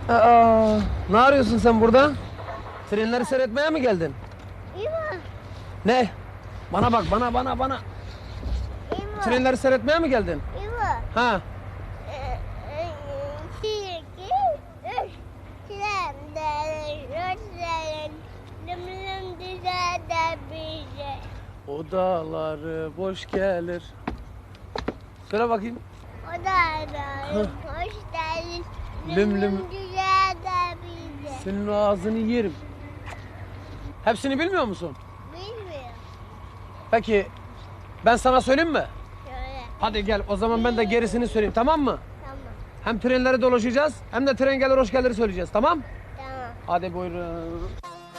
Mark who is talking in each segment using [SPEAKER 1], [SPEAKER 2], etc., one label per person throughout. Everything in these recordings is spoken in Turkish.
[SPEAKER 1] Aa, ne arıyorsun sen burada? Trenleri seyretmeye mi geldin?
[SPEAKER 2] İma,
[SPEAKER 1] Ne? Bana bak, bana.
[SPEAKER 2] İma,
[SPEAKER 1] Trenleri seyretmeye mi geldin?
[SPEAKER 2] İma.
[SPEAKER 1] Ha?
[SPEAKER 2] İki, üç, trenlerin, rotlerin, lümlüm düzelde bize.
[SPEAKER 1] Odaları boş gelir. Söyle bakayım.
[SPEAKER 2] Odaların hoş geldin,
[SPEAKER 1] Lüm lüm.
[SPEAKER 2] lümlüm düzelde bize.
[SPEAKER 1] Senin o ağzını yerim. Hepsini bilmiyor musun?
[SPEAKER 2] Bilmiyorum.
[SPEAKER 1] Peki ben sana söyleyeyim mi?
[SPEAKER 2] Şöyle,
[SPEAKER 1] Hadi gel o zaman ben de gerisini söyleyeyim, tamam mı?
[SPEAKER 2] tamam,
[SPEAKER 1] Hem trenleri dolaşacağız hem de tren gelir hoş gelir söyleyeceğiz, tamam?
[SPEAKER 2] tamam.
[SPEAKER 1] Hadi buyurun.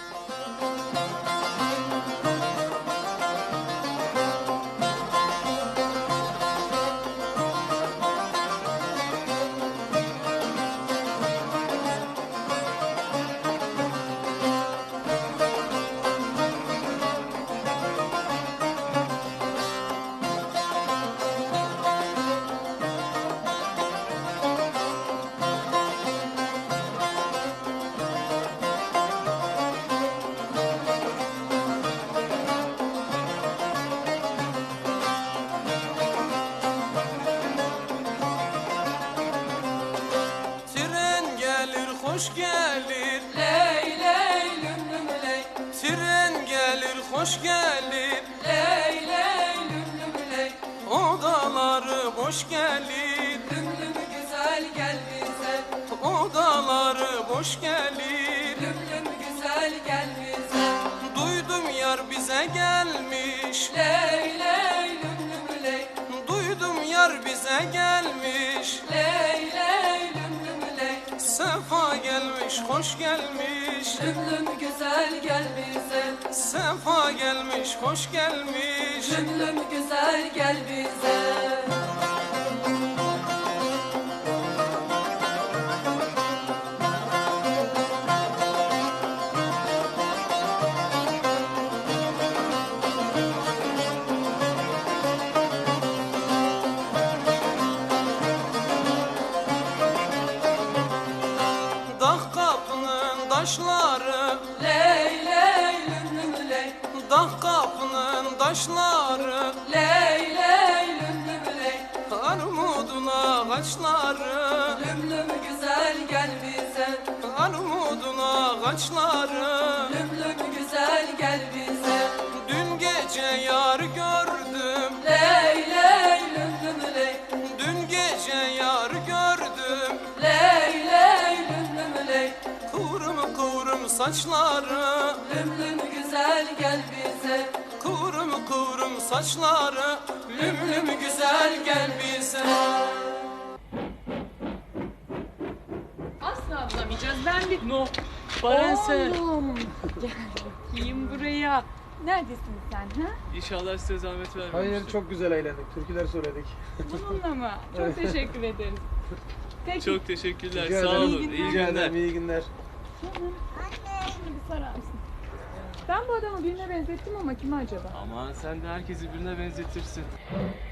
[SPEAKER 1] Tren gelir hoş gelir.
[SPEAKER 3] Ley ley lüm lüm ley,
[SPEAKER 1] Tren gelir hoş gelir.
[SPEAKER 3] ley ley lüm lüm ley,
[SPEAKER 1] Odaları boş gelir.
[SPEAKER 3] lüm lüm güzel gel bize,
[SPEAKER 1] Odaları boş gelir.
[SPEAKER 3] lüm lüm güzel gel bize.
[SPEAKER 1] Duydum yar bize gelmiş.
[SPEAKER 3] Ley ley lüm lüm ley,
[SPEAKER 1] Duydum yar bize gelmiş.
[SPEAKER 3] ley ley lüm lüm ley,
[SPEAKER 1] Sefa gelmiş, hoş gelmiş.
[SPEAKER 3] lüm lüm güzel gel bize,
[SPEAKER 1] Sefa gelmiş, hoş gelmiş.
[SPEAKER 3] lüm lüm güzel gel bize.
[SPEAKER 1] Dağ kapının taşları,
[SPEAKER 3] Ley ley lüm lüm ley,
[SPEAKER 1] dağ kapının taşları,
[SPEAKER 3] ley ley lüm lüm ley,
[SPEAKER 1] armudun ağaçları,
[SPEAKER 3] lüm lüm güzel gel bize,
[SPEAKER 1] armudun ağaçları.
[SPEAKER 3] lüm lüm güzel gel bize.
[SPEAKER 1] Dün gece yar gördüm,
[SPEAKER 3] Ley ley lüm lüm ley,
[SPEAKER 1] dün gece yar gördüm.
[SPEAKER 3] ley ley lüm lüm ley,
[SPEAKER 1] Kıvrım kıvrım saçları,
[SPEAKER 3] lüm lüm güzel gel bize,
[SPEAKER 1] kıvrım kıvrım saçları. Lüm lüm güzel gel bize.
[SPEAKER 4] Asla bulamayacağız. Ben bir... No. Barense. Oğlum. Gel bakayım buraya. Neredesin sen ha?
[SPEAKER 5] İnşallah size zahmet vermemiştir.
[SPEAKER 1] Hayır, çok güzel eğlendik. Türküler söyledik.
[SPEAKER 4] Bununla mı? Çok teşekkür ederiz. Peki.
[SPEAKER 5] Çok teşekkürler.
[SPEAKER 1] Rica
[SPEAKER 5] Sağ
[SPEAKER 1] ederim.
[SPEAKER 5] olun.
[SPEAKER 4] İyi
[SPEAKER 5] İyi
[SPEAKER 4] günler.
[SPEAKER 1] Rica
[SPEAKER 5] günler.
[SPEAKER 1] ederim, iyi günler.
[SPEAKER 4] Canım, şunu bir sarar mısın? Ben bu adamı birine benzettim ama kime acaba?
[SPEAKER 5] Aman sen de herkesi birbirine benzetirsin.